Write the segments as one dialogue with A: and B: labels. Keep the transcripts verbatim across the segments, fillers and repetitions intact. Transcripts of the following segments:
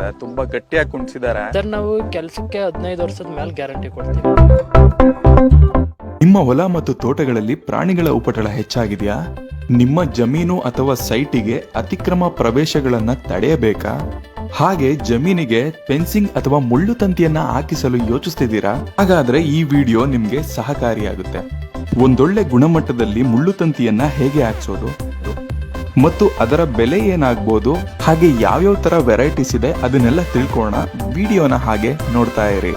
A: ತುಂಬಾ ಗಟ್ಟಿಯಾಗಿ ಕುಣಿಸಿದ್ದಾರೆ.
B: ಸರ್ ನಾವು ಕೆಲಸಕ್ಕೆ ಹದಿನೈದು ವರ್ಷದ ಮೇಲೆ ಗ್ಯಾರಂಟಿ ಕೊಡ್ತೀವಿ.
C: ನಿಮ್ಮ ಹೊಲ ಮತ್ತು ತೋಟಗಳಲ್ಲಿ ಪ್ರಾಣಿಗಳ ಉಪಟಳ ಹೆಚ್ಚಾಗಿದೆಯಾ? ನಿಮ್ಮ ಜಮೀನು ಅಥವಾ ಸೈಟಿಗೆ ಅತಿಕ್ರಮ ಪ್ರವೇಶಗಳನ್ನ ತಡೆಯಬೇಕಾ? ಹಾಗೆ ಜಮೀನಿಗೆ ಫೆನ್ಸಿಂಗ್ ಅಥವಾ ಮುಳ್ಳು ತಂತಿಯನ್ನ ಹಾಕಿಸಲು ಯೋಚಿಸ್ತಿದ್ದೀರಾ? ಹಾಗಾದ್ರೆ ಈ ವಿಡಿಯೋ ನಿಮ್ಗೆ ಸಹಕಾರಿಯಾಗುತ್ತೆ. ಒಂದೊಳ್ಳೆ ಗುಣಮಟ್ಟದಲ್ಲಿ ಮುಳ್ಳು ತಂತಿಯನ್ನ ಹೇಗೆ ಹಾಕ್ಸೋದು ಮತ್ತು ಅದರ ಬೆಲೆ ಏನಾಗ್ಬೋದು, ಹಾಗೆ ಯಾವ್ಯಾವ ತರ ವೆರೈಟೀಸ್ ಇದೆ ಅದನ್ನೆಲ್ಲ ತಿಳ್ಕೊಳ್ಳೋಣ. ವಿಡಿಯೋನ ಹಾಗೆ ನೋಡ್ತಾ ಇರಿ.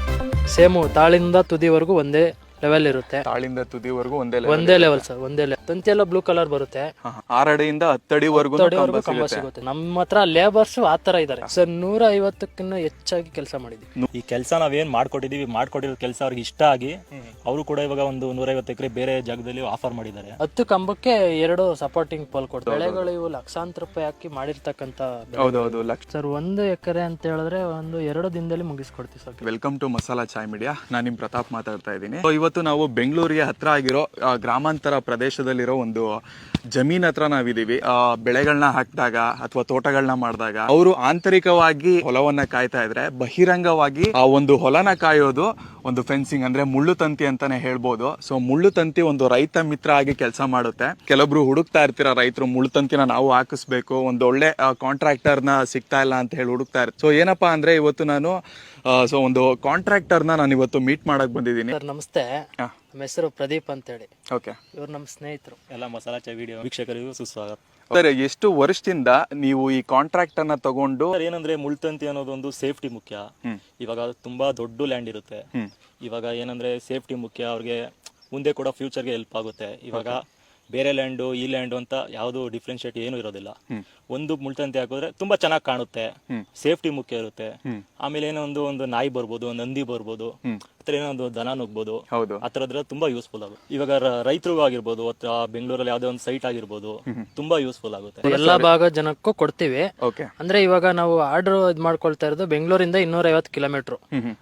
B: ಸೇಮು ತಾಳಿಂದ ತುದಿವರೆಗೂ ಒಂದೇ ಲೆವೆಲ್ ಇರುತ್ತೆ.
A: ತಾಳಿಂದ ತುದಿವರೆಗೂ ಒಂದೇ
B: ಒಂದೇ ಲೆವೆಲ್ ಸರ್, ಒಂದೇ ಲೆವೆಲ್. ತಂತಿ ಎಲ್ಲ ಬ್ಲೂ ಕಲರ್ ಬರುತ್ತೆ.
A: ಆರಡಿಯಿಂದ ಹತ್ತಡಿವರೆಗೂ
B: ಕಂಬ ಸಿಗುತ್ತೆ. ನಮ್ಮ ಹತ್ರ ಲೇಬರ್ಸ್ ಆ ತರ ಇದಾರೆ ಸರ್. ನೂರ ಐವತ್ತಕ್ಕಿಂತ ಹೆಚ್ಚಾಗಿ ಕೆಲಸ ಮಾಡಿದ್ವಿ.
D: ಈ ಕೆಲಸ ನಾವೇನ್ ಮಾಡ್ಕೊಟ್ಟಿದೀವಿ, ಮಾಡ್ಕೊಟ್ಟಿರೋ ಕೆಲಸ ಅವ್ರಿಗೆ ಇಷ್ಟ ಆಗಿ ಅವರು ಕೂಡ ಇವಾಗ ಒಂದು ನೂರೈವತ್ತು ಎಕರೆ ಬೇರೆ ಜಾಗದಲ್ಲಿ ಆಫರ್ ಮಾಡಿದ್ದಾರೆ.
B: ಹತ್ತು ಕಂಬಕ್ಕೆ ಎರಡು ಸಪೋರ್ಟಿಂಗ್ ಪೋಲ್ ಕೊಡ್ತಾರೆ. ಬೆಳೆಗಳು ಇವು ಲಕ್ಷಾಂತರ ರೂಪಾಯಿ ಹಾಕಿ ಮಾಡಿರ್ತಕ್ಕಂತ
A: ಹೌದೌದು ಲಕ್ಷ
B: ಸರ್. ಒಂದು ಎಕರೆ ಅಂತ ಹೇಳಿದ್ರೆ ಒಂದು ಎರಡು ದಿನದಲ್ಲಿ ಮುಗಿಸ್ಕೊಡ್ತೀವಿ sir.
A: Welcome to masala chai media. ನಾನು ನಿಮ್ ಪ್ರತಾಪ್ ಮಾತಾಡ್ತಾ ಇದ್ದೀನಿ. ಇವತ್ತು ನಾವು ಬೆಂಗಳೂರಿಗೆ ಹತ್ರ ಆಗಿರೋ ಗ್ರಾಮಾಂತರ ಪ್ರದೇಶದಲ್ಲಿರೋ ಒಂದು ಜಮೀನ್ ಹತ್ರ ನಾವಿದೀವಿ. ಬೆಳೆಗಳನ್ನ ಹಾಕಿದಾಗ ಅಥವಾ ತೋಟಗಳನ್ನ ಮಾಡಿದಾಗ ಅವರು ಆಂತರಿಕವಾಗಿ ಹೊಲವನ್ನ ಕಾಯ್ತಾ ಇದ್ರೆ, ಬಹಿರಂಗವಾಗಿ ಆ ಒಂದು ಹೊಲನ ಕಾಯೋದು ಒಂದು ಫೆನ್ಸಿಂಗ್ ಅಂದ್ರೆ ಮುಳ್ಳು ತಂತಿ ಅಂತಾನೆ ಹೇಳ್ಬೋದು. ಸೊ ಮುಳ್ಳು ತಂತಿ ಒಂದು ರೈತ ಮಿತ್ರ ಆಗಿ ಕೆಲಸ ಮಾಡುತ್ತೆ. ಕೆಲವೊಬ್ರು ಹುಡುಕ್ತಾ ಇರ್ತೀರ ರೈತರು, ಮುಳ್ಳು ತಂತಿನ ನಾವು ಹಾಕಿಸ್ಬೇಕು, ಒಂದು ಒಳ್ಳೆ ಕಾಂಟ್ರಾಕ್ಟರ್ ನ ಸಿಗ್ತಾ ಇಲ್ಲ ಅಂತ ಹೇಳಿ ಹುಡುಕ್ತಾ ಇರ್ತಾರೆ. ಸೊ ಏನಪ್ಪಾ ಅಂದ್ರೆ ಇವತ್ತು ನಾನು ಸೊ ಒಂದು ಕಾಂಟ್ರಾಕ್ಟರ್ ನ ನಾನು ಇವತ್ತು ಮೀಟ್ ಮಾಡಕ್ ಬಂದಿದ್ದೀನಿ.
B: ಸರ್ ನಮಸ್ತೆ, ನಮ್ಮ ಹೆಸರು ಪ್ರದೀಪ್ ಅಂತ ಹೇಳಿ.
A: ಓಕೆ,
B: ಇವ್ರು ನಮ್ಮ ಸ್ನೇಹಿತರು.
D: ಎಲ್ಲ ಮಸಾಲಾ ಚಾ ವಿಡಿಯೋ ವೀಕ್ಷಕರಿಗೂ ಸುಸ್ವಾಗತ.
A: ಸರ್, ಎಷ್ಟು ವರ್ಷದಿಂದ ನೀವು ಈ ಕಾಂಟ್ರಾಕ್ಟ್ ಅನ್ನ ತಗೊಂಡು?
D: ಏನಂದ್ರೆ ಮುಳ್ತಂತಿ ಅನ್ನೋದು ಒಂದು ಸೇಫ್ಟಿ ಮುಖ್ಯ. ಇವಾಗ ತುಂಬಾ ದೊಡ್ಡ ಲ್ಯಾಂಡ್ ಇರುತ್ತೆ. ಇವಾಗ ಏನಂದ್ರೆ ಸೇಫ್ಟಿ ಮುಖ್ಯ. ಅವ್ರಿಗೆ ಮುಂದೆ ಕೂಡ ಫ್ಯೂಚರ್ಗೆ ಹೆಲ್ಪ್ ಆಗುತ್ತೆ. ಇವಾಗ ಬೇರೆ ಲ್ಯಾಂಡು ಈ ಲ್ಯಾಂಡು ಅಂತ ಯಾವ್ದು ಡಿಫ್ರೆನ್ಶಿಯೇಟ್ ಏನು ಇರೋದಿಲ್ಲ. ಒಂದು ಮುಳ್ತಂತಿ ಹಾಕಿದ್ರೆ ತುಂಬಾ ಚೆನ್ನಾಗಿ ಕಾಣುತ್ತೆ, ಸೇಫ್ಟಿ ಮುಖ್ಯ ಇರುತ್ತೆ. ಆಮೇಲೆ ಏನೋ ಒಂದು ಒಂದು ನಾಯಿ ಬರ್ಬೋದು, ಒಂದು ಹಂದಿ ಬರ್ಬೋದು, ಆತರ ಏನೋ ಒಂದು ದನ ನುಗ್ಬೋದು. ಆತರದ್ರ ತುಂಬಾ ಯೂಸ್ಫುಲ್ ಆಗುತ್ತೆ. ಇವಾಗ ರೈತರಿಗೂ ಆಗಿರ್ಬೋದು ಅಥವಾ ಬೆಂಗಳೂರಲ್ಲಿ ಯಾವ್ದೇ ಒಂದು ಸೈಟ್ ಆಗಿರ್ಬೋದು, ತುಂಬಾ ಯೂಸ್ಫುಲ್ ಆಗುತ್ತೆ.
B: ಎಲ್ಲಾ ಭಾಗ ಜನಕ್ಕೂ ಕೊಡ್ತೀವಿ. ಅಂದ್ರೆ ಇವಾಗ ನಾವು ಆರ್ಡರ್ ಇದ್ ಮಾಡ್ಕೊಳ್ತಾ ಇರೋದು ಬೆಂಗಳೂರಿಂದ ಇನ್ನೂರ ಐವತ್ತು ಕಿಲೋಮೀಟರ್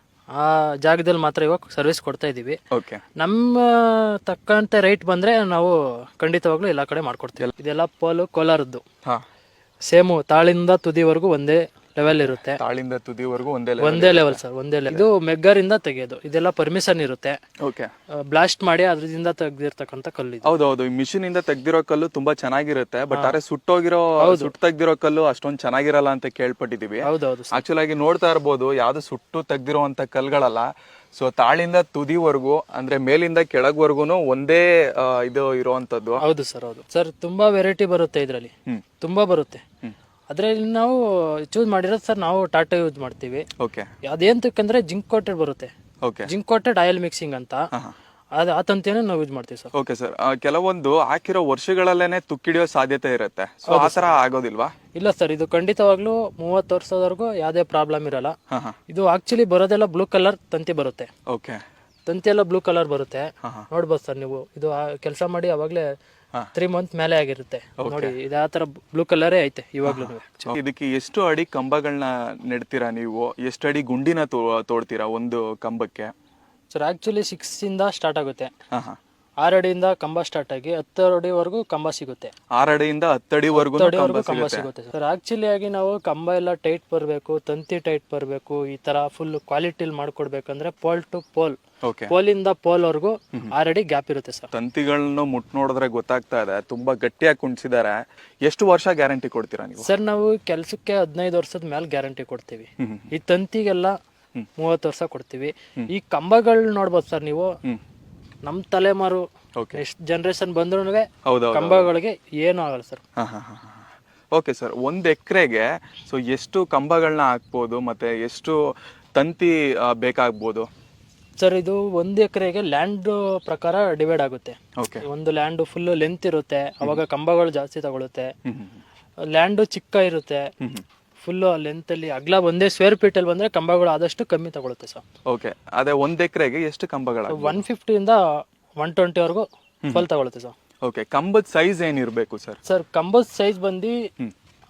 B: ಆ ಜಾಗದಲ್ಲಿ ಮಾತ್ರ ಇವಾಗ ಸರ್ವಿಸ್ ಕೊಡ್ತಾ ಇದೀವಿ. ನಮ್ಮ ತಕ್ಕಂತೆ ರೈಟ್ ಬಂದ್ರೆ ನಾವು ಖಂಡಿತವಾಗ್ಲೂ ಎಲ್ಲಾ ಕಡೆ ಮಾಡ್ಕೊಡ್ತೀವಿ. ಇದೆಲ್ಲ ಪೋಲು ಕೋಲಾರದ್ದು. ಸೇಮು ತಾಳಿಂದ ತುದಿವರೆಗೂ ಒಂದೇ ಲೆವೆಲ್ ಇರುತ್ತೆ.
A: ತಾಳಿಂದ ತುದಿವರೆಗೂ ಒಂದೇ
B: ಒಂದೇ ಲೆವೆಲ್ ಸರ್, ಒಂದೇ ಲೆವೆಲ್. ಇದು ಮೆಗ್ಗರಿಂದ ತೆಗೆಯೋದು. ಇದೆಲ್ಲ ಪರ್ಮಿಷನ್ ಇರುತ್ತೆ. ಬ್ಲಾಸ್ಟ್ ಮಾಡಿ ಅದ್ರಿಂದ ತೆಗ್ದಿರ್ತಕ್ಕಂಥ ಕಲ್ಲು.
A: ಹೌದೌದು, ಈ ಮಿಷಿನ್ ಇಂದ ತೆಗ್ದಿರೋ ಕಲ್ಲು ತುಂಬಾ ಚೆನ್ನಾಗಿರುತ್ತೆ. ಬಟ್ ಆದ್ರೆ ಸುಟ್ಟೋಗಿರೋ ಸುಟ್ಟು ತೆಗ್ದಿರೋ ಕಲ್ಲು ಅಷ್ಟೊಂದ್ ಚೆನ್ನಾಗಿರಲ್ಲ ಅಂತ ಕೇಳ್ಪಟ್ಟಿದೀವಿ.
B: ಹೌದೌದು,
A: ಆಕ್ಚುಲ್ ಆಗಿ ನೋಡ್ತಾ ಇರ್ಬೋದು, ಯಾವ್ದು ಸುಟ್ಟು ತೆಗ್ದಿರೋಂತ ಕಲ್ಗಳಲ್ಲ. ಸೊ ತಾಳಿಂದ ತುದಿವರೆಗೂ ಅಂದ್ರೆ ಮೇಲಿಂದ ಕೆಳಗ್ವರ್ಗುನು ಒಂದೇ ಇದು ಇರುವಂತದ್ದು.
B: ಹೌದು ಸರ್, ಹೌದು ಸರ್. ತುಂಬಾ ವೆರೈಟಿ ಬರುತ್ತೆ ಇದ್ರಲ್ಲಿ, ತುಂಬಾ ಬರುತ್ತೆ. ಅದ್ರಲ್ಲಿ ನಾವು ಚೂಸ್ ಮಾಡಿರೋದು ಸರ್, ನಾವು ಟಾಟಾ ಯೂಸ್ ಮಾಡ್ತೀವಿ. ಅದೇಂತಕ್ಕಂದ್ರೆ ಜಿಂಕ್ ಕೋಟೆಡ್ ಬರುತ್ತೆ. ಜಿಂಕ್ ಕೋಟೆಡ್ ಆಯಿಲ್ ಮಿಕ್ಸಿಂಗ್ ಅಂತ, ಅದು ಆ ತಂತಿಯನ್ನು ನಾವು ಯೂಸ್ ಮಾಡ್ತೀವಿ ಸರ್.
A: ಓಕೆ ಸರ್, ಕೆಲವೊಂದು ಹಾಕಿರೋ ವರ್ಷಗಳಲ್ಲೇನೆ ತುಕ್ಕಿಡಿಯೋ ಸಾಧ್ಯತೆ ಇರುತ್ತೆ. ಸೊ ಆ ತರ ಆಗೋದಿಲ್ವಾ?
B: ಇಲ್ಲ ಸರ್, ಇದು ಖಂಡಿತವಾಗ್ಲೂ ಮೂವತ್ತು ವರ್ಷದವರೆಗೂ ಯಾವ್ದೇ ಪ್ರಾಬ್ಲಮ್ ಇರಲ್ಲ. ಇದು ಆಕ್ಚುಲಿ ಬರೋದೆಲ್ಲ ಬ್ಲೂ ಕಲರ್ ತಂತಿ ಬರುತ್ತೆ.
A: ಓಕೆ,
B: ತಂತಿ ಎಲ್ಲ ಬ್ಲೂ ಕಲರ್ ಬರುತ್ತೆ. ನೋಡ್ಬೋದು ಸರ್ ನೀವು. ಇದು ಕೆಲಸ ಮಾಡಿ ಅವಾಗ್ಲೇ ತ್ರೀ ಮಂತ್ ಮೇಲೆ ಆಗಿರುತ್ತೆ ನೋಡಿ. ಇದು ಆ ತರ ಬ್ಲೂ ಕಲರೇ ಐತೆ ಇವಾಗ್ಲೂ.
A: ಇದಕ್ಕೆ ಎಷ್ಟು ಅಡಿ ಕಂಬಗಳನ್ನ ನೆಡ್ತೀರಾ ನೀವು? ಎಷ್ಟು ಅಡಿ ಗುಂಡಿನ ತೋಡ್ತೀರಾ ಒಂದು ಕಂಬಕ್ಕೆ?
B: ಸರ್ ಆಕ್ಚುಲಿ ಸಿಕ್ಸ್ ಇಂದ ಸ್ಟಾರ್ಟ್ ಆಗುತ್ತೆ. ಆರು ಅಡಿಯಿಂದ ಕಂಬ ಸ್ಟಾರ್ಟ್ ಆಗಿ ಹತ್ತು ಅಡಿವರೆಗೂ ಕಂಬ ಸಿಗುತ್ತೆ.
A: ಆರು ಅಡಿಯಿಂದ ಹತ್ತು ಅಡಿವರೆಗೂ
B: ಕಂಬ ಸಿಗುತ್ತೆ ಸರ್. ಆಕ್ಚುಲಿ ಆಗಿ ನಾವು ಕಂಬ ಎಲ್ಲ ಟೈಟ್ ಬರಬೇಕು, ತಂತಿ ಟೈಟ್ ಬರಬೇಕು, ಈ ತರ ಫುಲ್ ಕ್ವಾಲಿಟಿಲಿ ಮಾಡ್ಕೊಡ್ಬೇಕಂದ್ರೆ ಪೋಲ್ ಟು ಪೋಲ್, ಪೋಲಿಂದ ಪೋಲ್ ವರ್ಗು ಆರು ಅಡಿ ಗ್ಯಾಪ್ ಇರುತ್ತೆ ಸರ್.
A: ತಂತಿಗಳನ್ನು ಮುಟ್ ನೋಡಿದ್ರೆ ಗೊತ್ತಾಗ್ತಾ ಇದೆ, ತುಂಬಾ ಗಟ್ಟಿಯಾಗಿ ಕುಣಿಸಿದ್ದಾರೆ. ಎಷ್ಟು ವರ್ಷ ಗ್ಯಾರಂಟಿ ಕೊಡ್ತೀರಾ ನೀವು?
B: ಸರ್ ನಾವು ಕೆಲ್ಸಕ್ಕೆ ಹದಿನೈದು ವರ್ಷದ ಮೇಲೆ ಗ್ಯಾರಂಟಿ ಕೊಡ್ತೀವಿ. ಈ ತಂತಿಗೆಲ್ಲ ಮೂವತ್ತು ವರ್ಷ ಕೊಡ್ತೀವಿ. ಈ ಕಂಬಗಳು ನೋಡ್ಬೋದು ಸರ್ ನೀವು. ನಮ್ ತಲೆಮಾರು ಎಷ್ಟು ಜನರೇಷನ್ ಬಂದ್ರು ಕಂಬಗಳಿಗೆ ಏನು ಆಗಲ್ಲ ಸರ್.
A: ಓಕೆ ಸರ್, ಒಂದ್ ಎಕರೆಗೆ ಸೊ ಎಷ್ಟು ಕಂಬಗಳನ್ನ ಹಾಕ್ಬೋದು ಮತ್ತೆ ಎಷ್ಟು ತಂತಿ ಬೇಕಾಗ್ಬೋದು
B: ಸರ್? ಇದು ಒಂದು ಎಕರೆಗೆ ಲ್ಯಾಂಡ್ ಪ್ರಕಾರ ಡಿವೈಡ್ ಆಗುತ್ತೆ. ಒಂದು ಲ್ಯಾಂಡ್ ಫುಲ್ ಲೆಂತ್ ಇರುತ್ತೆ, ಅವಾಗ ಕಂಬಗಳು ಜಾಸ್ತಿ ತಗೊಳುತ್ತೆ. ಲ್ಯಾಂಡ್ ಚಿಕ್ಕ ಇರುತ್ತೆ, ಫುಲ್ ಲೆಂತ್ ಅಲ್ಲಿ ಅಗ್ಲ ಒಂದೇ ಸ್ಕ್ವೇರ್ ಫೀಟ್ ಅಲ್ಲಿ ಬಂದ್ರೆ ಕಂಬಗಳು ಆದಷ್ಟು ಕಮ್ಮಿ ತಗೊಳುತ್ತೆ ಸರ್.
A: ಓಕೆ, ಅದೇ ಒಂದ್ ಎಕರೆಗೆ ಎಷ್ಟು ಕಂಬಗಳು?
B: ಒನ್ ಫಿಫ್ಟಿ ಇಂದ ಒನ್ ಟ್ವೆಂಟಿ ವರೆಗೂ ಫುಲ್ ತಗೊಳುತ್ತೆ ಸರ್.
A: ಓಕೆ, ಕಂಬದ ಸೈಜ್ ಏನಿರ್ಬೇಕು ಸರ್?
B: ಸರ್ ಕಂಬದ ಸೈಜ್ ಬಂದು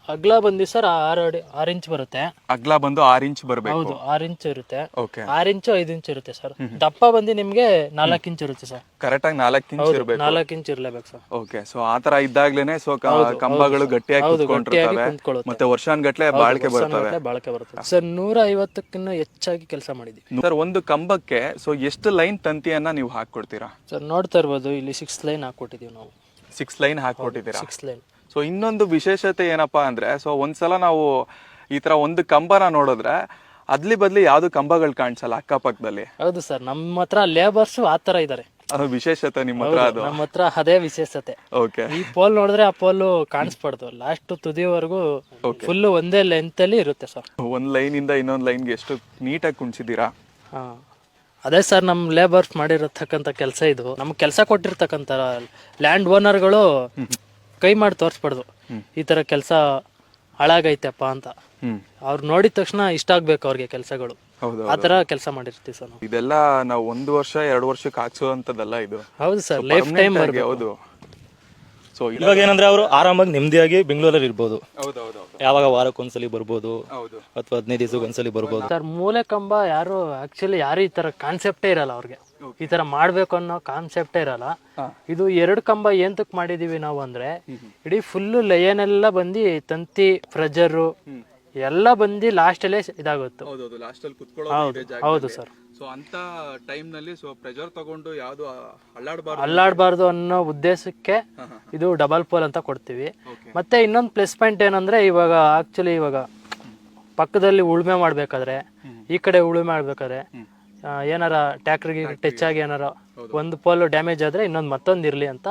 B: ಅಗ್ಲ ಬಂದಿ ಸರ್ ಆರು ಅಡಿ ಆರು ಇಂಚ್ ಬರುತ್ತೆ.
A: ಅಗ್ಲ ಬಂದು ಆರ್ ಇಂಚ್ ಬರಬೇಕು.
B: ಹೌದು, ಆರು ಇಂಚ್ ಇರುತ್ತೆ.
A: ಓಕೆ.
B: ಆರು ಇಂಚು ಐದು ಇಂಚ್ ಇರುತ್ತೆ ಸರ್. ದಪ್ಪ ಬಂದು ನಿಮ್ಗೆ ನಾಲ್ಕು ಇಂಚ್ ಇರುತ್ತೆ ಸರ್.
A: ಕರೆಕ್ಟ್ ಆಗಿ ನಾಲ್ಕು ಇಂಚ್ ಇರಬೇಕು.
B: ನಾಲ್ಕು ಇಂಚ್ ಇರ್ಲೇಬೇಕು ಸರ್.
A: ಓಕೆ. ಸೊ ಆತರ ಇದ್ದಾಗ್ಲೇನೆ ಸೊ ಕಂಬಗಳು ಗಟ್ಟಿಯಾಗಿ ಕುತ್ಕೊಂಡಿರ್ತವೆ ಮತ್ತೆ ವರ್ಷಾನ್ಗಟ್ಲೆ ಬಾಳಿಕೆ ಬರ್ತವೆ.
B: ಬಾಳಿಕೆ ಬರುತ್ತೆ ಸರ್. ನೂರ ಐವತ್ತಕ್ಕಿಂತ ಹೆಚ್ಚಾಗಿ ಕೆಲಸ ಮಾಡಿದ್ವಿ
A: ಸರ್. ಒಂದು ಕಂಬಕ್ಕೆ ಸೊ ಎಷ್ಟು ಲೈನ್ ತಂತಿಯನ್ನ ನೀವು ಹಾಕೊಡ್ತೀರಾ
B: ಸರ್? ನೋಡ್ತಾ ಇರ್ಬೋದು, ಇಲ್ಲಿ ಸಿಕ್ಸ್ ಲೈನ್ ಹಾಕೊಟ್ಟಿದೀವಿ ನಾವು.
A: ಸಿಕ್ಸ್ ಲೈನ್ ಹಾಕೊಟ್ಟಿದ್ದೀರಾ?
B: Six line.
A: ಸೊ ಇನ್ನೊಂದು ವಿಶೇಷತೆ ಏನಪ್ಪಾ ಅಂದ್ರೆ, ಸೊ ಒಂದ್ಸಲ ನಾವು ಈ ತರ ಒಂದು ಕಂಬನ ನೋಡಿದ್ರೆ ಅದ್ಲಿ ಬದ್ಲಿ ಯಾವ್ದು ಕಂಬಗಳು ಕಾಣಿಸಲ್ಲ ಅಕ್ಕಪಕ್ಕದಲ್ಲಿ.
B: ಹೌದು ಸರ್, ನಮ್ಮ ಹತ್ರ ಲೇಬರ್ಸ್ ಆ ತರ ಇದಾರೆ.
A: ಅದು ವಿಶೇಷತೆ ನಿಮ್ಮ ಹತ್ರ. ಅದು
B: ನಮ್ಮ ಹತ್ರ ಅದೇ ವಿಶೇಷತೆ.
A: ಓಕೆ.
B: ಈ ಪೋಲ್ ನೋಡಿದ್ರೆ ಆ ಪೋಲ್ ಕಾಣಿಸ್ಬಾರ್ದು, ಲಾಸ್ಟ್ ತುದಿವರೆಗೂ ಫುಲ್ ಒಂದೇ ಲೆಂತ್ ಅಲ್ಲಿ ಇರುತ್ತೆ ಸರ್.
A: ಒಂದ್ ಲೈನ್ ಇಂದ ಇನ್ನೊಂದ್ ಲೈನ್ಗೆ ಎಷ್ಟು ನೀಟಾಗಿ ಕುಣಿಸಿದೀರಾ.
B: ಹಾ, ಅದೇ ಸರ್ ನಮ್ ಲೇಬರ್ಸ್ ಮಾಡಿರತಕ್ಕಂತ ಕೆಲಸ ಇದು. ನಮ್ಗೆ ಕೆಲಸ ಕೊಟ್ಟಿರ್ತಕ್ಕಂತ ಲ್ಯಾಂಡ್ ಓನರ್ಗಳು ಕೈ ಮಾಡಿ ತೋರಿಸ್ಬಾರ್ದು ಈ ತರ ಕೆಲಸ ಹಾಳಾಗೈತೆಪ್ಪ ಅಂತ. ಅವ್ರು ನೋಡಿದ ತಕ್ಷಣ ಇಷ್ಟ ಆಗ್ಬೇಕು ಅವ್ರಿಗೆ ಕೆಲಸಗಳು. ಆತರ ಕೆಲಸ ಮಾಡಿರ್ತೀವಿ ಸರ್ ನಾವು.
A: ಇದೆಲ್ಲ ನಾವು ಒಂದು ವರ್ಷ ಎರಡು ವರ್ಷಕ್ಕೆ ಹಾಕ್ಸುವಂತದ್ದಲ್ಲ ಇದು.
B: ಹೌದು ಸರ್, ಲೈಫ್ ಟೈಮ್.
A: ಹೌದು. ಸೊ
D: ಇವಾಗ ಏನಂದ್ರೆ ಅವರು ಆರಾಮಾಗಿ ನೆಮ್ಮದಿಯಾಗಿ ಬೆಂಗಳೂರಲ್ಲಿ ಇರ್ಬೋದು. ಯಾವಾಗ ವಾರಕ್ಕೊಂದ್ಸಲಿ ಬರ್ಬೋದು ಅಥವಾ ಹದಿನೈದು ದಿವಸಕ್ಕೆ ಒಂದ್ಸಲಿ ಬರ್ಬೋದು
B: ಸರ್. ಮೂಲೆ ಕಂಬ ಯಾರು ಆಕ್ಚುಲಿ ಯಾರು ಈ ತರ ಕಾನ್ಸೆಪ್ಟೇ ಇರಲ್ಲ ಅವ್ರಿಗೆ. ಈ ತರ ಮಾಡ್ಬೇಕು ಅನ್ನೋ ಕಾನ್ಸೆಪ್ಟೇ ಇರಲ್ಲ. ಇದು ಎರಡು ಕಂಬ ಏಂತಕ್ ಮಾಡಿದೀವಿ ನಾವು ಅಂದ್ರೆ, ಇಡೀ ಫುಲ್ ಲಯನ್ ಎಲ್ಲ ಬಂದು ತಂತಿ ಪ್ರೆಜರು ಎಲ್ಲ ಬಂದು ಲಾಸ್ಟ್ ಅಲ್ಲೇ ಇದಾಗುತ್ತೆ. ಹೌದು ಸರ್.
A: ಸೊ ಅಂತ ಟೈಮ್ ನಲ್ಲಿ ಸೊ ಪ್ರೆಷರ್ ತಗೊಂಡು ಯಾವ್ದು ಅಲ್ಲಾಡಬಾರ್ದು
B: ಅಲ್ಲಾಡಬಾರ್ದು ಅನ್ನೋ ಉದ್ದೇಶಕ್ಕೆ ಇದು ಡಬಲ್ ಪೋಲ್ ಅಂತ ಕೊಡ್ತೀವಿ. ಮತ್ತೆ ಇನ್ನೊಂದು ಪ್ಲಸ್ ಪಾಯಿಂಟ್ ಏನಂದ್ರೆ, ಇವಾಗ ಆಕ್ಚುಲಿ ಇವಾಗ ಪಕ್ಕದಲ್ಲಿ ಉಳುಮೆ ಮಾಡ್ಬೇಕಾದ್ರೆ, ಈ ಕಡೆ ಉಳುಮೆ ಮಾಡ್ಬೇಕಾದ್ರೆ ಏನಾರ ಟ್ಯಾಕ್ಟ್ರಿಗೆ ಟಚ್ ಆಗಿ ಏನಾರ ಒಂದು ಪೋಲ್ ಡ್ಯಾಮೇಜ್ ಆದ್ರೆ ಇನ್ನೊಂದು ಮತ್ತೊಂದು ಇರ್ಲಿ ಅಂತ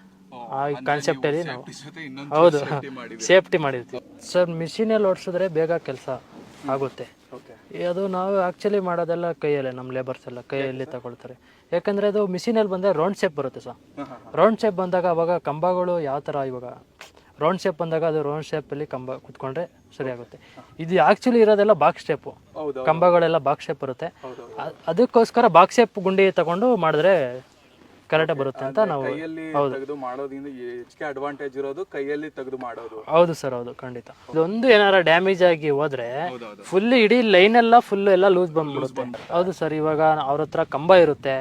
B: ಆ ಕಾನ್ಸೆಪ್ಟ್ ಅಲ್ಲಿ ನಾವು ಹೌದು ಸೇಫ್ಟಿ ಮಾಡಿರ್ತೀವಿ ಸರ್. ಮಿಷಿನಲ್ಲಿ ಓಡಿಸಿದ್ರೆ ಬೇಗ ಕೆಲಸ ಆಗುತ್ತೆ. ಅದು ನಾವು ಆಕ್ಚುಲಿ ಮಾಡೋದೆಲ್ಲ ಕೈಯಲ್ಲೇ, ನಮ್ಮ ಲೇಬರ್ಸ್ ಎಲ್ಲ ಕೈಯಲ್ಲಿ ತಗೊಳ್ತಾರೆ. ಯಾಕಂದ್ರೆ ಅದು ಮಿಷಿನಲ್ಲಿ ಬಂದ್ರೆ ರೌಂಡ್ ಶೇಪ್ ಬರುತ್ತೆ ಸರ್. ರೌಂಡ್ ಶೇಪ್ ಬಂದಾಗ ಅವಾಗ ಕಂಬಗಳು ಯಾವ ತರ, ಇವಾಗ ರೌಂಡ್ ಶೇಪ್ ಬಂದಾಗ ಅದು ರೌಂಡ್ ಶೇಪ್ ಅಲ್ಲಿ ಕಂಬ ಕುತ್ಕೊಂಡ್ರೆ ಸರಿ ಆಗುತ್ತೆ. ಇದು ಆಕ್ಚುಲಿ ಇರೋದೆಲ್ಲ ಬಾಕ್ಸ್ ಶೇಪ್, ಕಂಬಗಳೆಲ್ಲ ಬಾಕ್ಸ್ ಶೇಪ್ ಬರುತ್ತೆ. ಅದಕ್ಕೋಸ್ಕರ ಬಾಕ್ಸ್ ಶೇಪ್ ಗುಂಡಿ ತಗೊಂಡು ಮಾಡಿದ್ರೆ ಕರೆಕ್ಟ್ ಬರುತ್ತೆ ಅಂತ ನಾವು.
A: ತೆಗೆದು ಮಾಡೋದ್ರಿಂದ ಹೆಚ್ಚಿಗೆ ಅಡ್ವಾಂಟೇಜ್ ಇರೋದು ಕೈಯಲ್ಲಿ ತೆಗೆದು ಮಾಡೋದು.
B: ಹೌದು ಸರ್, ಹೌದು, ಖಂಡಿತ. ಇದೊಂದು ಏನಾರ ಡ್ಯಾಮೇಜ್ ಆಗಿ ಹೋದ್ರೆ ಫುಲ್ ಇಡೀ ಲೈನ್ ಎಲ್ಲ ಫುಲ್ ಎಲ್ಲ ಲೂಸ್ ಬಂದ್ಬಿಡುತ್ತೆ. ಹೌದು ಸರ್. ಇವಾಗ ಅವ್ರ ಹತ್ರ ಕಂಬ ಇರುತ್ತೆ,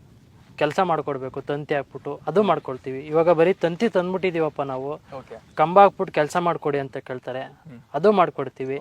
B: ಕೆಲಸ ಮಾಡ್ಕೊಡ್ಬೇಕು, ತಂತಿ ಹಾಕ್ಬಿಟ್ಟು ಅದು ಮಾಡ್ಕೊಳ್ತೀವಿ. ಇವಾಗ ಬರೀ ತಂತಿ ತಂದ್ಬಿಟ್ಟಿದೀವಪ್ಪ ನಾವು, ಕಂಬ ಹಾಕ್ಬಿಟ್ಟು ಕೆಲಸ ಮಾಡ್ಕೊಡಿ ಅಂತ ಕೇಳ್ತಾರೆ, ಅದು ಮಾಡ್ಕೊಡ್ತೀವಿ.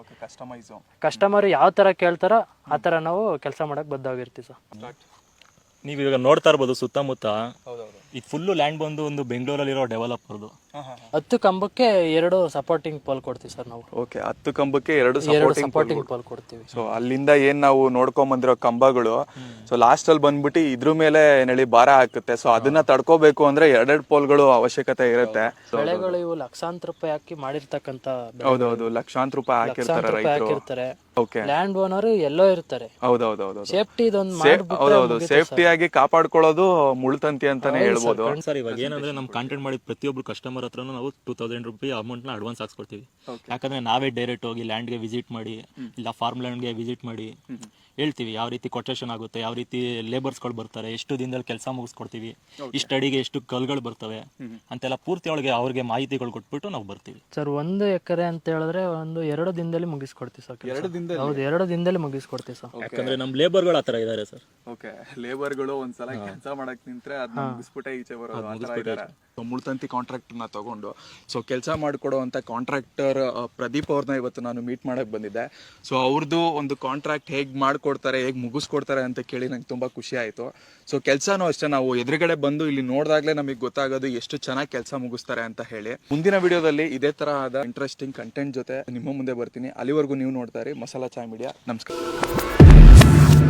B: ಕಸ್ಟಮರ್ ಯಾವ ತರ ಕೇಳ್ತಾರೋ ಆ ತರ ನಾವು ಕೆಲಸ ಮಾಡಕ್ ಬದ್ಧಾಗಿರ್ತೀವಿ ಸರ್.
D: ನೀವು ಇವಾಗ ನೋಡ್ತಾ ಇರ್ಬೋದು ಸುತ್ತಮುತ್ತ ಇದು ಫುಲ್ಲು ಲ್ಯಾಂಡ್ ಬಂದು ಒಂದು ಬೆಂಗಳೂರಲ್ಲಿರೋ ಡೆವಲಪರ್ದು.
B: ಹತ್ತು ಕಂಬಕ್ಕೆ ಎರಡು ಸಪೋರ್ಟಿಂಗ್ ಪೋಲ್ ಕೊಡ್ತೀವಿ ಸರ್ ನಾವು.
A: ಓಕೆ. ಹತ್ತು ಕಂಬಕ್ಕೆ ಎರಡು
B: ಸಪೋರ್ಟಿಂಗ್ ಪೋಲ್ ಕೊಡ್ತೀವಿ.
A: ಸೊ ಅಲ್ಲಿಂದ ಏನ್ ನಾವು ನೋಡ್ಕೊಂಡ್ ಬಂದಿರೋ ಕಂಬಗಳು ಸೊ ಲಾಸ್ಟ್ ಅಲ್ಲಿ ಬಂದ್ಬಿಟ್ಟು ಇದ್ರ ಮೇಲೆ ನೆಳಿ ಭಾರ ಹಾಕುತ್ತೆ. ಸೊ ಅದನ್ನ ತಡ್ಕೋಬೇಕು ಅಂದ್ರೆ ಎರಡೆರಡು ಪೋಲ್ಗಳು ಅವಶ್ಯಕತೆ ಇರುತ್ತೆ.
B: ಬೆಳೆಗಳು ಇವು ಲಕ್ಷಾಂತರ ರೂಪಾಯಿ ಹಾಕಿ ಮಾಡಿರ್ತಕ್ಕಂತ.
A: ಹೌದೌದು, ಲಕ್ಷಾಂತರ ರೂಪಾಯಿ ಹಾಕಿರ್ತಾರೆ ರೈತರು.
B: ಲ್ಯಾಂಡ್ ಓನರ್ ಎಲ್ಲೋ ಇರ್ತಾರೆ.
A: ಹೌದೌದು,
B: ಸೇಫ್ಟಿ ಇದೊಂದು
A: ಹೌದೌದು, ಸೇಫ್ಟಿ ಆಗಿ ಕಾಪಾಡ್ಕೊಳ್ಳೋದು ಮುಳ್ತಂತಿ ಅಂತಾನೆ ಹೇಳ್ಬೋದು.
D: ಸರ್ ಇವಾಗ ಏನಂದ್ರೆ ನಮ್ ಕಾಂಟ್ಯಾಕ್ಟ್ ಮಾಡಿದ ಪ್ರತಿಯೊಬ್ರು ಕಸ್ಟಮರ್ ಹತ್ರ ನಾವು ಟೂ ತೌಸಂಡ್ ರುಪಿ ಅಮೌಂಟ್ ನ ಅಡ್ವಾನ್ಸ್ ಹಾಕ್ಸ್ಕೊಡ್ತೀವಿ. ಯಾಕಂದ್ರೆ ನಾವೇ ಡೈರೆಕ್ಟ್ ಹೋಗಿ ಲ್ಯಾಂಡ್ ಗೆ ವಿಸಿಟ್ ಮಾಡಿ, ಇಲ್ಲ ಫಾರ್ಮ್ ಲ್ಯಾಂಡ್ ಗೆ ವಿಸಿಟ್ ಮಾಡಿ ಹೇಳ್ತೀವಿ ಯಾವ ರೀತಿ ಕೊಟೇಶನ್ ಆಗುತ್ತೆ, ಯಾವ ರೀತಿ ಲೇಬರ್ಸ್ಗಳು ಬರ್ತಾರೆ, ಎಷ್ಟು ದಿನದಲ್ಲಿ ಕೆಲಸ ಮುಗಿಸ್ಕೊಡ್ತೀವಿ, ಇಷ್ಟು ಅಡಿಗೆ ಎಷ್ಟು ಕಲ್ಗಳು ಬರ್ತವೆ ಅಂತೆಲ್ಲ ಪೂರ್ತಿ ಒಳಗೆ ಅವ್ರಿಗೆ ಮಾಹಿತಿಗಳು ಕೊಟ್ಬಿಟ್ಟು ನಾವು ಬರ್ತೀವಿ.
B: ಸರ್ ಒಂದು ಎಕರೆ ಅಂತ ಹೇಳಿದ್ರೆ ಒಂದು ಎರಡು ದಿನದಲ್ಲಿ ಮುಗಿಸ್ಕೊಡ್ತೀವಿ ಸರ್. ಹೌದು, ಎರಡು ದಿನದಲ್ಲಿ ಮುಗಿಸ್ಕೊಡ್ತೀವಿ ಸರ್.
D: ಯಾಕಂದ್ರೆ ನಮ್ ಲೇಬರ್ಗಳು ಆತರ ಇದಾರೆ ಸರ್.
A: ಓಕೆ. ಲೇಬರ್ಗಳು ಒಂದ್ಸಲ ಕೆಲಸ ಮಾಡಕ್ ನಿಂತ್ರೆ ಅದನ್ನ ಮುಗಿಸ್ಬಿಟ್ಟೆ ಈಚೆ ಬರೋದು. ಮುಳ್ತಂತಿ ಕಾಂಟ್ರಾಕ್ಟರ್ ನ ತಗೊಂಡು ಸೊ ಕೆಲಸ ಮಾಡಿಕೊಡುವಂತ ಕಾಂಟ್ರಾಕ್ಟರ್ ಪ್ರದೀಪ್ ಅವ್ರನ್ನ ಇವತ್ತು ನಾನು ಮೀಟ್ ಮಾಡಕ್ ಬಂದಿದ್ದೆ. ಸೊ ಅವ್ರದ್ದು ಒಂದು ಕಾಂಟ್ರಾಕ್ಟ್ ಹೇಗ್ ಮಾಡ್ಕೊಡ್ತಾರೆ, ಹೇಗ್ ಮುಗಿಸ್ಕೊಡ್ತಾರೆ ಅಂತ ಕೇಳಿ ನಂಗೆ ತುಂಬಾ ಖುಷಿ ಆಯ್ತು. ಸೊ ಕೆಲಸನೂ ಅಷ್ಟೇ, ನಾವು ಎದುರುಗಡೆ ಬಂದು ಇಲ್ಲಿ ನೋಡಿದಾಗ್ಲೇ ನಮಗೆ ಗೊತ್ತಾಗೋದು ಎಷ್ಟು ಚೆನ್ನಾಗಿ ಕೆಲಸ ಮುಗಿಸ್ತಾರೆ ಅಂತ ಹೇಳಿ. ಮುಂದಿನ ವಿಡಿಯೋದಲ್ಲಿ ಇದೇ ತರಹದ ಇಂಟ್ರೆಸ್ಟಿಂಗ್ ಕಂಟೆಂಟ್ ಜೊತೆ ನಿಮ್ಮ ಮುಂದೆ ಬರ್ತೀನಿ. ಅಲ್ಲಿವರೆಗೂ ನೀವು ನೋಡ್ತಾ ಇರಿ ಮಸಾಲಾ ಚಾಯ್ ಮೀಡಿಯಾ. ನಮಸ್ಕಾರ.